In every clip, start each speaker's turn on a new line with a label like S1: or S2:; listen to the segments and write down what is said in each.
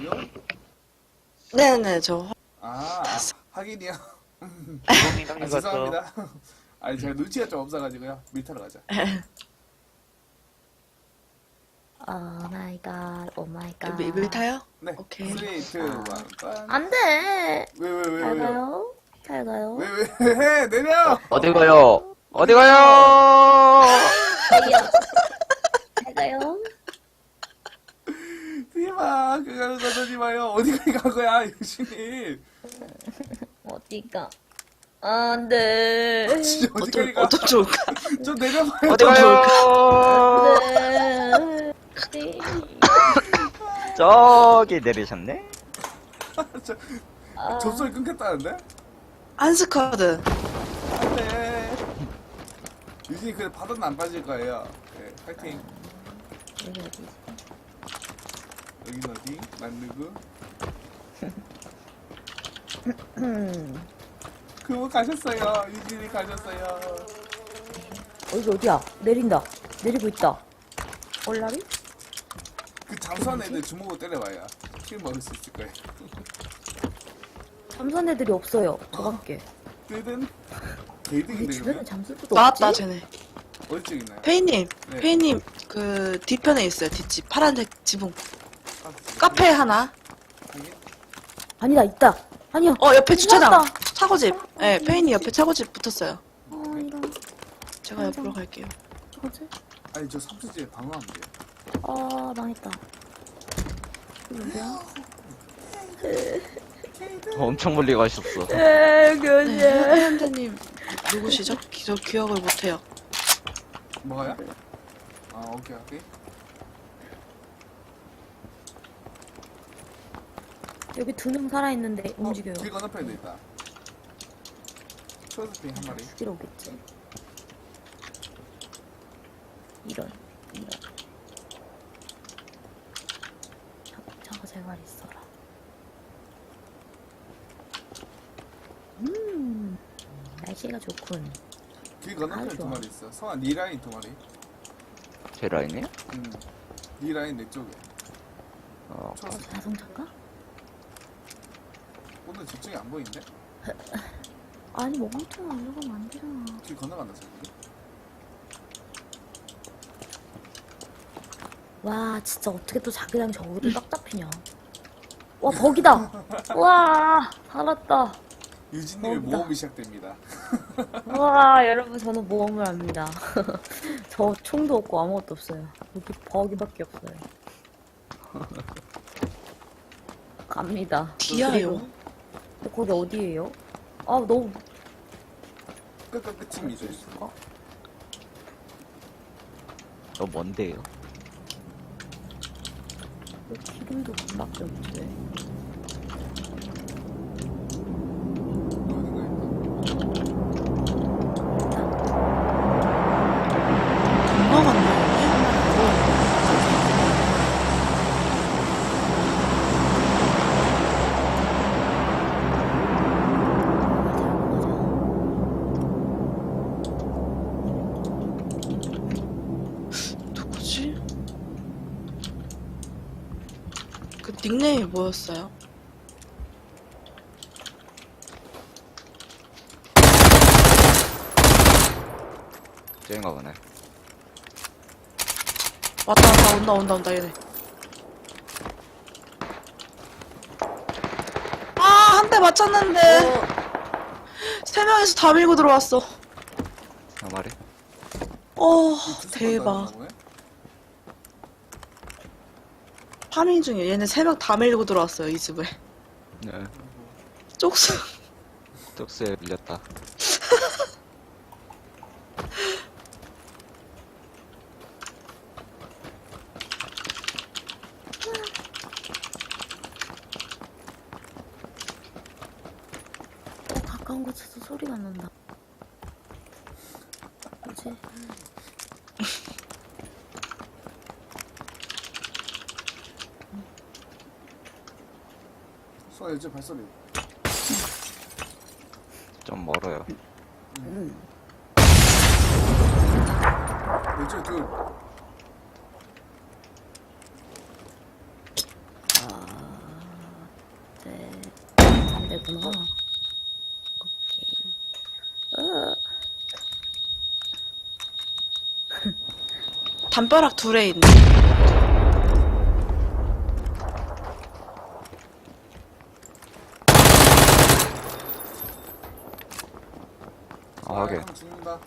S1: 지금?
S2: 네네, 저
S1: 하긴이요.
S3: 주공님 형님 갔어.
S1: 죄송합니다. 아니 제가 눈치가 좀 없어가지고요. 밀타러 가자.
S4: 오 마이 갓, 오 마이 갓.
S2: 밀 타요?
S1: 네.
S2: 오케이.
S1: 3, 2, 1, 빤.
S4: 안 돼!
S1: 왜?
S4: 잘 가요? 잘 가요?
S1: 왜? 내려!
S3: 어디 가요? 어디 가요?
S4: 잘 가요?
S1: 뒤마 그거 가지 마요. 어디까지 간 거야, 유신이?
S4: 어디가? 안 돼.
S1: 진짜 어디까지 가?
S2: 어떤 좋을까?
S1: 좀 내려봐요.
S3: 어디 가요?
S4: 네. 네.
S3: 저기 내리셨네?
S1: 접속이 끊겼다는데?
S2: 한스쿼드.
S1: 안돼. 유진이 그래 바다는 안 빠질 거예요. 네, 파이팅.
S4: 여기 어디지?
S1: 여긴 어디? 난 누구? 그분 가셨어요. 유진이 가셨어요.
S4: 여기 어디야? 내린다. 내리고 있다. 얼라리?
S1: 그 잠수한 애들 주먹으로 때려봐요. 킬 먹을 수 있을 거예요.
S4: 잠수한 애들이 없어요. 저밖에.
S1: 뜨든
S4: 이
S1: 개이득인데
S4: 주변에
S1: 그러면?
S4: 잠수도 없지?
S2: 나왔다, 쟤네.
S1: 어디 쪽 있나요?
S2: 페이님,
S1: 네.
S2: 페이님, 그, 뒤편에 있어요, 뒷집. 파란색 지붕.
S1: 아,
S2: 카페 하나.
S1: 여기?
S4: 아니다, 있다. 아니야.
S2: 옆에 주차장.
S4: 나왔다.
S2: 차고집. 네, 페이님 옆에 차고집 붙었어요.
S4: 이런.
S2: 제가 옆으로 갈게요.
S4: 뭐지?
S1: 아니 저 삼수지에 방어하면 돼요.
S4: 아, 망했다. 이거 뭐야?
S3: 엄청 멀리 가셨어.
S2: 네, 회원자님 누구시죠? 저 기억을 못해요.
S1: 뭐가요? 아 오케이.
S4: 여기 두 명 살아있는데 움직여요.
S1: 길 건너편에도 있다. 초록핑 한 마리.
S4: 죽이러 오겠지. 이런. 저거 제발 있어라. 날씨가 좋군.
S1: 길 건너편에
S4: 아주
S1: 두
S4: 좋아.
S1: 마리 있어. 성아 니 라인 두 마리.
S3: 제 라인이요?
S1: 니 라인 내 쪽에. 초록색.
S4: 자동차인가?
S1: 오늘 집중이 안 보이는데?
S4: 아니, 멍청아, 올라가면 안 되잖아.
S1: 길 건너간다 저기.
S4: 와, 진짜 어떻게 또 자기랑 저기도 딱 잡히냐. 와, 버기다! 와, 살았다.
S1: 유진님의
S4: 모험이다.
S1: 모험이 시작됩니다.
S4: 와, 여러분, 저는 모험을 합니다. 저 총도 없고 아무것도 없어요. 여기 버기밖에 없어요. 갑니다.
S2: 디아요.
S4: 근데 거기 어디예요? 아, 너무
S1: 끝입니다.
S3: 너 뭔데요?
S4: 기름도 밖에 없지.
S2: 건너갔나요? 누구지? 그 닉네임이 뭐였어요?
S3: 쟤인가 보네.
S2: 왔다, 온다, 얘네. 아, 한 대 맞췄는데. 세 명이서 다 밀고 들어왔어.
S3: 한 마리?
S2: 대박. 파밍 중이야. 얘네 세 명 다 밀고 들어왔어요, 이 집에.
S3: 네.
S2: 쪽수.
S3: 쪽수에 밀렸다.
S4: 가까운 곳에서 소리가 난다. 뭐지?
S1: 수아 요즘 발소리.
S3: 좀 멀어요.
S1: 왼쪽에 둘.
S4: 되구나. 오케이.
S2: 담벼락 둘에 있네.
S3: 아, 하게.
S1: 형 죽는다.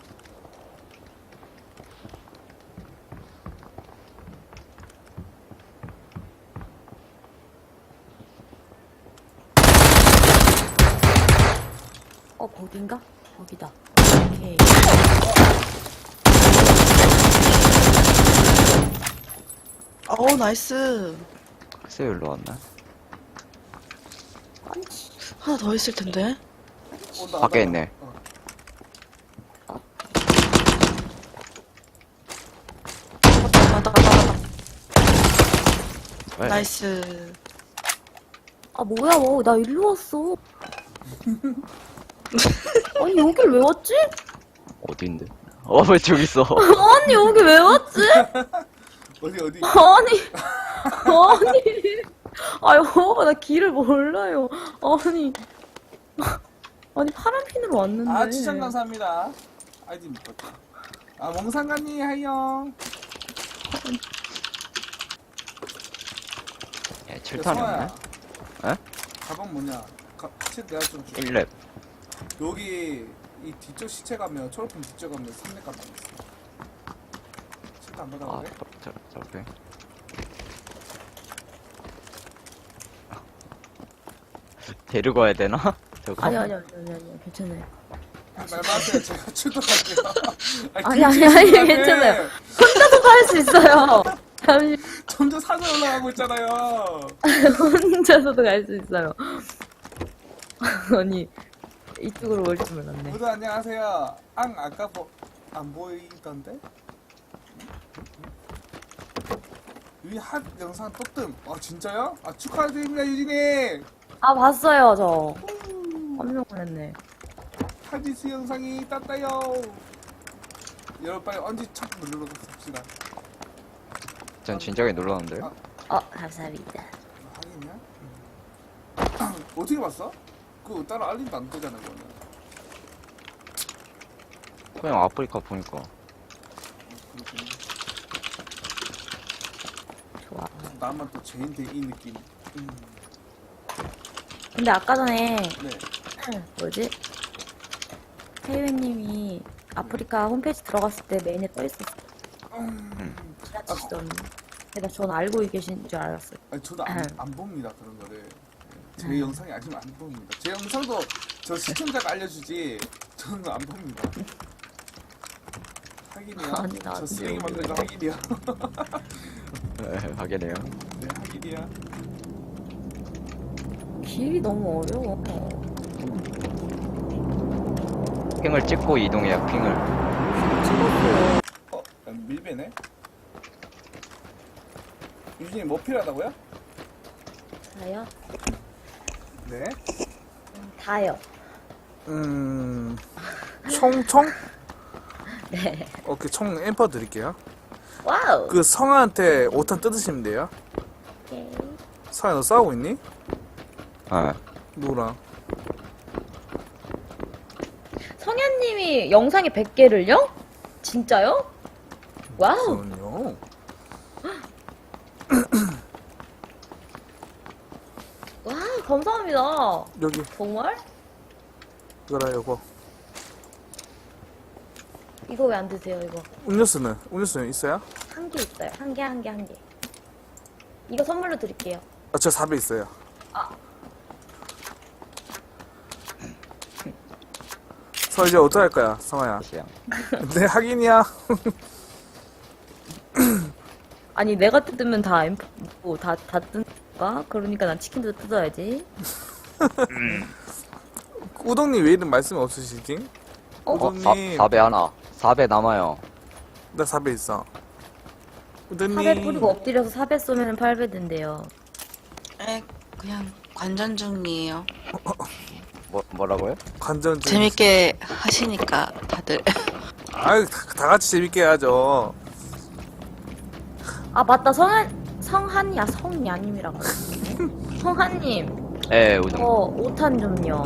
S4: 거긴가? 거기다. 오케이.
S2: 나이스.
S3: 글쎄, 일로 왔나?
S2: 하나 더 있을 텐데.
S1: 온다,
S3: 밖에
S1: 온다.
S3: 있네.
S2: 맞다.
S3: 왜?
S2: 나이스.
S4: 아, 뭐야, 나 일로 왔어. 아니, 여길 왜 왔지?
S3: 어딘데? 왜 저기 있어?
S4: 아니, 여기 왜 왔지?
S1: 어디?
S4: 아유, 나 길을 몰라요. 아니, 파란 핀으로 왔는데.
S1: 아, 추천 감사합니다. 아이디 못 봤다. 아, 멍상가님, 하이영.
S3: 예, 7탄이었네? 에?
S1: 가방 뭐냐? 치 내가 좀 줄게.
S3: 1렙.
S1: 여기, 이 뒤쪽 시체 가면, 초록핀 뒤쪽 가면 3렙 가방 있어. 칠도 안
S3: 아,
S1: 받아볼래?
S3: 저렇게. 데리고 와야 되나? 저거?
S4: 아니, 괜찮아요.
S1: 말마세요. 제가 출동할게요.
S4: 아니, 괜찮아요. 혼자서도 할 수 있어요. 잠시,
S1: 점점 산에 올라가고 있잖아요.
S4: 혼자서도 갈 수 있어요. 아니, 이쪽으로 올 줄 몰랐네.
S1: 모두 안녕하세요. 아까 안 보이던데? 유진 핫 영상 또 뜸. 아, 진짜요? 아, 축하드립니다, 유진이.
S4: 아, 봤어요, 저. 깜짝 놀랐네.
S1: 하디스 영상이 땄다요. 여러분 빨리 언제 첫 눌러서 삽시다.
S3: 전 진작에 눌렀는데요?
S4: 감사합니다.
S1: 하긴이야? 어떻게 봤어? 그거 따로 알림도 안 뜨잖아, 그거는.
S3: 그냥 아프리카 보니까.
S1: 그렇군.
S4: 좋아.
S1: 나만 또 죄인데 이 느낌.
S4: 근데 아까 전에,
S1: 네.
S4: 뭐지? 태유님이 아프리카 홈페이지 들어갔을 때 메인에 떠있었어. 지나치시던. 근데 전 알고 계신 줄 알았어요.
S1: 아니, 저도 안 봅니다, 그런 거를. 제 영상이 아니면 안 봅니다. 제 영상도 저 시청자가 알려주지, 저는 안 봅니다. 하긴이야.
S4: 아니,
S1: 저
S4: 나한테
S1: 쓰레기 만든 거 하긴이야.
S3: 네, 하겠네요.
S1: 네, 하긴이야.
S4: 길이 너무 어려워.
S3: 핑을 찍고 이동해요, 핑을.
S4: 찍었어요.
S1: 밀배네? 유진이 뭐 필요하다고요?
S4: 다요?
S1: 네.
S4: 다요.
S1: 총?
S4: 네.
S1: 오케이, 총 엠퍼 드릴게요.
S4: 와우.
S1: 그 성아한테 5탄 뜯으시면 돼요.
S4: 오케이.
S1: 성아, 너 싸우고 있니?
S3: 네.
S1: 누구랑?
S4: 성현님이 영상에 100개를요? 진짜요? 와우.
S1: 저는요.
S4: 와, 감사합니다.
S1: 여기,
S4: 정말?
S1: 이거라, 요거.
S4: 이거 왜 안 드세요, 이거?
S1: 음료수는 있어요?
S4: 한 개 있어요. 한 개. 이거 선물로 드릴게요.
S1: 아, 저 4배 있어요. 서 이제 어떡할 거야, 성아야?
S3: 시장.
S1: 네, 하긴이야.
S4: 아니, 내가 뜯으면 다 다 뜯는가? 그러니까 난 치킨도 뜯어야지.
S1: 우동님 왜 이런 말씀이 없으시지? 우동님.
S3: 4배 하나. 4배 남아요.
S1: 나 4배 있어. 우동님.
S4: 4배 뿌리고 엎드려서 4배 쏘면 8배 된대요.
S2: 그냥 관전 중이에요.
S3: 뭐라고요?
S1: 관전 중.
S2: 재밌게 하시니까 다들.
S1: 아유, 다 같이 재밌게 해야죠.
S4: 아, 맞다. 성한이 아님이라고. 성한님.
S3: 예, 우동.
S4: 5탄 좀요.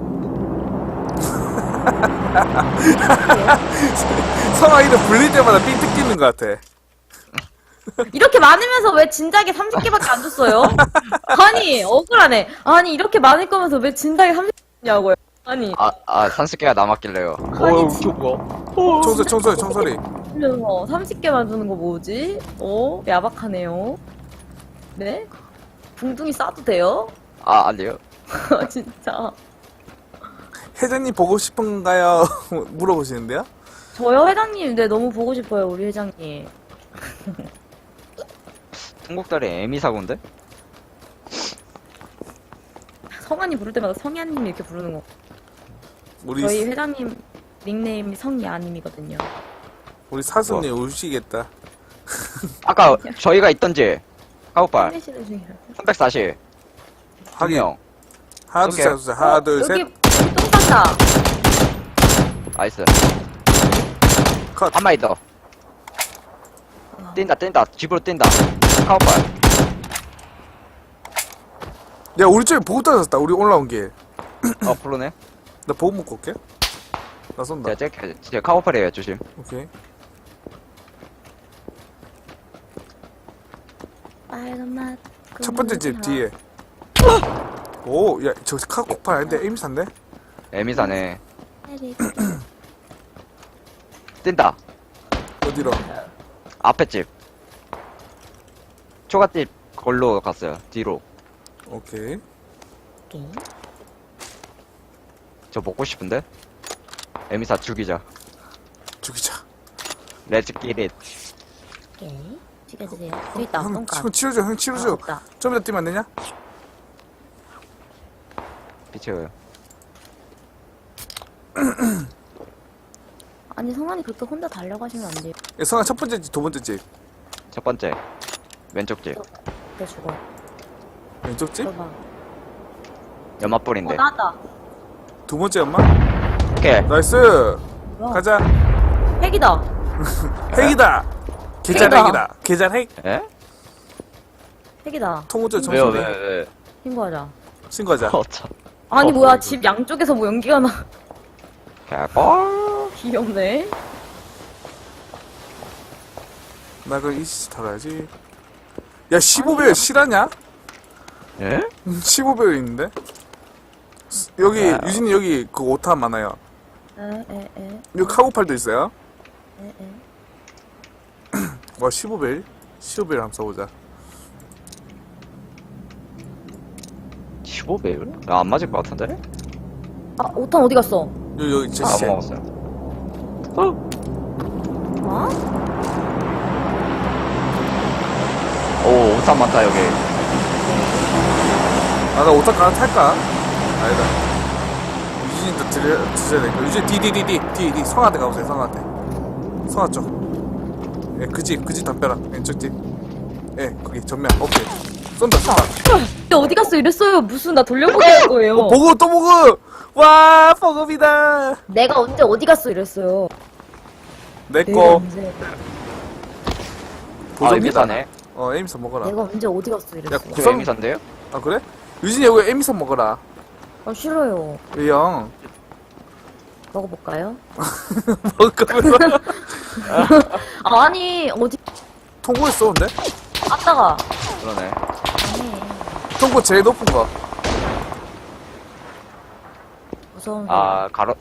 S1: 성아 이름 불릴 때마다 삥 뜯기는 것 같아.
S4: 이렇게 많으면서 왜 진작에 30개밖에 안 줬어요? 아니, 억울하네. 아니, 이렇게 많을 거면서 왜 진작에 30개냐고요. 아니,
S3: 30개가 남았길래요.
S4: 아니,
S1: 총소리.
S4: 그래서 30개만 주는 거 뭐지? 야박하네요. 네? 붕둥이 싸도 돼요?
S3: 아니요.
S4: 진짜.
S1: 회장님 보고 싶은가요? 물어보시는데요?
S4: 저요, 회장님. 네, 너무 보고 싶어요, 우리 회장님.
S3: 통곡다리 에미사고인데?
S4: 성환이 부를 때마다 성희아님 이렇게 부르는 거.
S1: 우리
S4: 저희 회장님 닉네임이 성희아님이거든요.
S1: 우리 사슴님 우시겠다.
S3: 아까 저희가 있던지 카우팔
S4: 헬멧이를 중이라.
S3: 340
S1: 하긴.
S3: 명
S1: 하나 둘 셋. 하나 둘 셋.
S4: 여기 똥 쌌다.
S3: 나이스.
S1: 컷.
S3: 한 마리 더. 뛴다 집으로 뛴다. 카우팔.
S1: 야 우리 쪽에 보급 떨어졌다. 우리 올라온 길.
S3: 프로네.
S1: 나 보급 먹고 올게. 나 쏜다.
S3: 제가 카우팔이에요. 조심.
S1: 오케이.
S4: 빨간 맛.
S1: 첫 번째 집 뒤에. 오, 야, 저 카코팔 아닌데 에임산데?
S3: 에미사네. 뛴다.
S1: 어디로?
S3: 앞에 집. 초가집 걸로 갔어요. 뒤로.
S1: 오케이.
S4: 오케이.
S3: 저 먹고 싶은데? 에미사 죽이자.
S1: 죽이자.
S3: 렛츠 기릿.
S4: 오케이. 찍어주세요. 저기 있다.
S1: 형,
S4: 똥값.
S1: 형 치료줘, 형 치료줘.
S4: 없다.
S1: 좀 이따 뛰면 안 되냐?
S3: 비켜요.
S4: 아니, 성환이 그렇게 혼자 달려가시면 안 돼요.
S1: 야, 성아 첫 번째 집, 두 번째 집.
S3: 첫 번째. 왼쪽 집.
S4: 내 죽어.
S1: 왼쪽 집?
S4: 들어봐.
S3: 연마불인데.
S4: 나왔다.
S1: 두 번째 엄마?
S3: 오케이.
S1: 나이스!
S4: 뭐야?
S1: 가자.
S4: 핵이다.
S1: 핵이다! 계절
S4: 핵이다.
S1: 핵이다. 계절 핵.
S3: 에?
S4: 핵이다.
S1: 통우조
S3: 왜요,
S1: 정신이.
S3: 왜?
S4: 신고하자.
S1: 신고하자.
S3: 어차.
S4: 아니, 뭐야.
S3: 이거.
S4: 집 양쪽에서 뭐 연기가 나.
S3: 개꿀.
S4: 귀엽네.
S1: 나 그럼 이씨 달아야지. 야, 15배율 실하냐?
S3: 예?
S1: 15배율 있는데? 여기,
S3: 야.
S1: 유진이 여기 그 5탄 많아요.
S4: 에.
S1: 여기 카고팔도 있어요.
S4: 에.
S1: 와, 15배율? 15배율 한번 써보자.
S3: 15배율? 안 맞을 것 같은데?
S4: 아, 5탄 어디 갔어?
S1: 여기 제
S3: 안
S1: 시체.
S3: 먹었어요.
S4: 어?
S3: 오, 오탄 많다, 여기.
S1: 아, 나 5탄 가나 탈까? 아니다. 유진이도 드셔야 되니까. 유진이 뒤. 성한테 가보세요, 성한테. 성아 쪽. 예, 그 집 담벼락. 왼쪽 집. 예, 거기 전면. 오케이. 쏜다.
S4: 근데 어디 갔어 이랬어요. 무슨 나 돌려보기 할 거예요.
S1: 보급 또 보급! 와, 보급이다!
S4: 내가 언제 어디 갔어 이랬어요. 내가
S1: 내꺼.
S4: 언제
S3: 아, 에미사네.
S1: 에미선 먹어라.
S4: 내가 언제 어디 갔어
S1: 야,
S4: 이랬어요.
S3: 저
S1: 구성.
S3: 에미사인데요?
S1: 아, 그래? 유진이 여기 에미선 먹어라.
S4: 아 싫어요.
S1: 이 형.
S4: 먹어볼까요?
S1: 먹으면서
S4: 아니 어디
S1: 통고에 쏘는데?
S4: 아따가.
S3: 그러네.
S4: 아니
S1: 통고 제일 높은 거.
S4: 무서운.
S3: 아, 가로,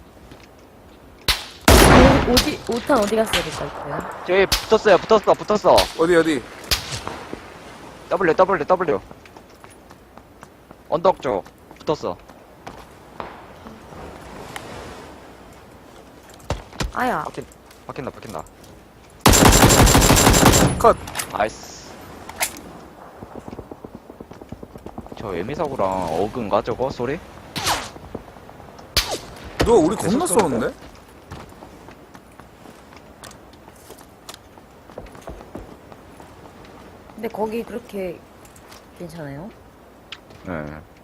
S4: 어디 5탄 어디 갔어 이랬어요.
S3: 저기 붙었어.
S1: 어디?
S3: W. 언덕 쪽. 붙었어.
S4: 아야.
S3: 박힌다.
S1: 컷.
S3: 나이스. 저 에미사고랑 어그인가 저거 소리?
S1: 누가 우리 겁나 쏘는데?
S4: 근데 거기 그렇게 괜찮아요?
S3: 네.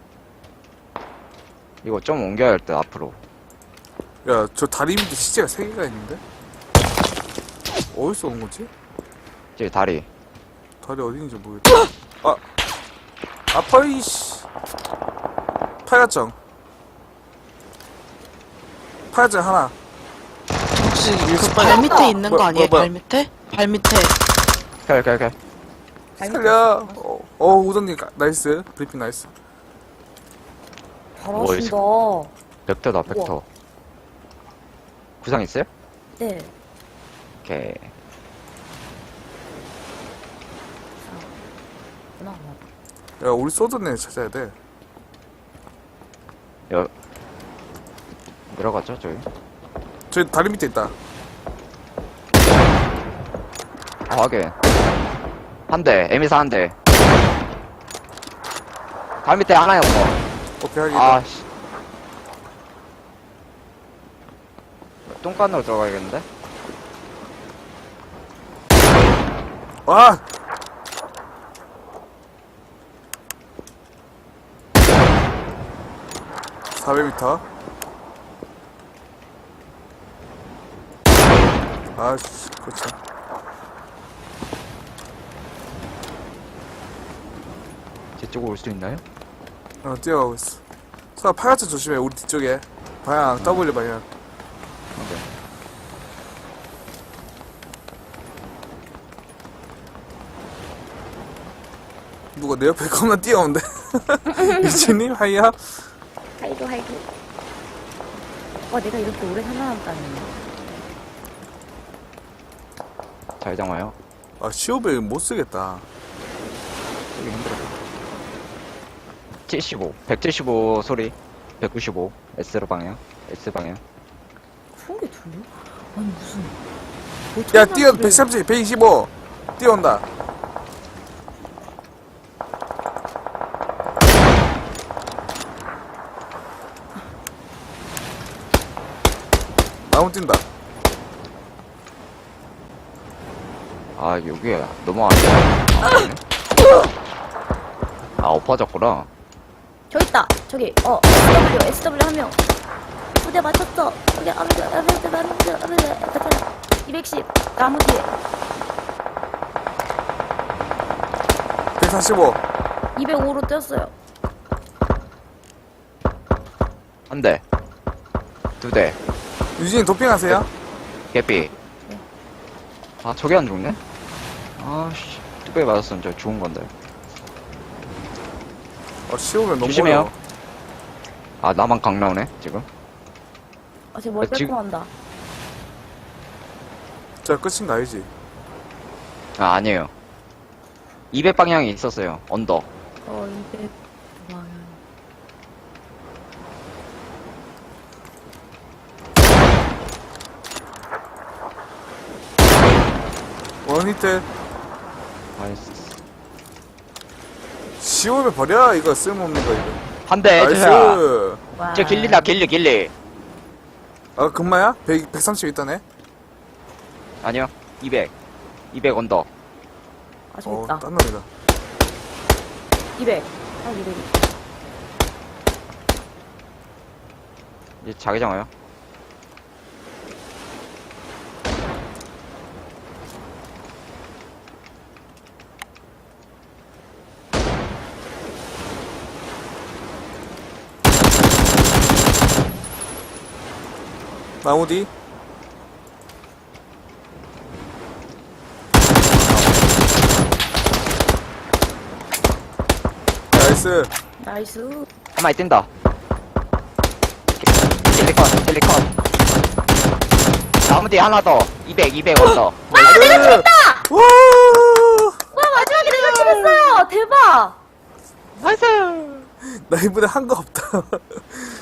S3: 이거 좀 옮겨야 할 때 앞으로.
S1: 야, 저 다리 밑에 시체가 3개가 있는데? 어디서 온 거지?
S3: 저기 다리.
S1: 다리 어디 있는지 모르겠다. 아! 아파, 이씨. 팔각정. 팔각정 하나.
S2: 혹시 그 발 밑에 있는 거
S1: 뭐야,
S2: 아니에요?
S1: 뭐야.
S2: 발 밑에? 발 밑에.
S3: 오케이.
S1: 살려. 우동님 나이스. 브리핑 나이스.
S4: 잘하신다.
S3: 벡터다, 벡터. 구상 있어요?
S4: 네.
S3: 오케이.
S1: 야, 우리 소드네 찾아야 돼.
S3: 내려가죠, 저기.
S1: 저기 다리 밑에 있다.
S3: 아, 확인. 한 대, 에미사 한 대. 발 밑에 하나였어.
S1: 오케이, 하긴.
S3: 아, 씨. 똥간으로 들어가야겠는데?
S1: 아! (400m) 아씨 그렇죠.
S3: 제 쪽으로 올 수 있나요?
S1: 뛰어가고 있어. 서아 파야채 조심해. 우리 뒤쪽에 방향 W 방향.
S3: 오케이.
S1: 누가 내 옆에 겁나 뛰어온대. 미친님 하이야.
S4: 하이도. 내가 이렇게 오래 살아남다니.
S3: 잘 잡아요.
S1: 아 시오벨 못 쓰겠다.
S3: 여기 힘들어. 175 소리. 195 S로 방향. S 방향.
S4: 그런 게 들려? 아니 무슨.
S1: 야 뛰어 130 125 뛰어온다. 나무 뛴다.
S3: 아, 여기 너무 안 돼. 아, 엎어졌구나.
S4: 저 있다. 저기 SW 한 명. 부대 맞췄어. 여기 210 나무 뒤에
S1: 145
S4: 205로 뛰었어요.
S3: 한 대. 두 대.
S1: 유진이 도핑하세요?
S3: 개삐. 아, 저게 안 죽네? 아씨. 뚝배기 맞았으면 저 죽은 건데.
S1: 시오벨 너무
S3: 조심해요.
S1: 어려워.
S3: 아, 나만 강 나오네, 지금.
S4: 제 머리
S3: 지금-
S4: 깔끔한다.
S1: 저 끝인가 아니지?
S3: 아, 아니에요. 200방향이 있었어요. 언덕.
S4: 200 방향.
S1: 원히트
S3: 나이스.
S1: 시오벨 버려. 이거 쓸모없는 거 이거.
S3: 한 대, 해주세요.
S1: 나이스.
S4: 와.
S3: 저 길리다, 길리.
S1: 아 금마야? 130 있다네.
S3: 아니요. 200 언덕.
S4: 아, 저기 있다.
S1: 딴 놈이다.
S4: 200. 아, 200.
S3: 이제 자기장 와요.
S1: 나무 뒤. 나이스.
S4: 나이스.
S3: 한 마리 뛴다. 킬리컨. 나무 뒤에 하나 더. 200 언덕.
S1: 내가 죽였다! 와!
S4: 와, 마지막에 내가 찍었어요! 대박!
S3: 나이스!
S1: 나 이번에 한 거 없다.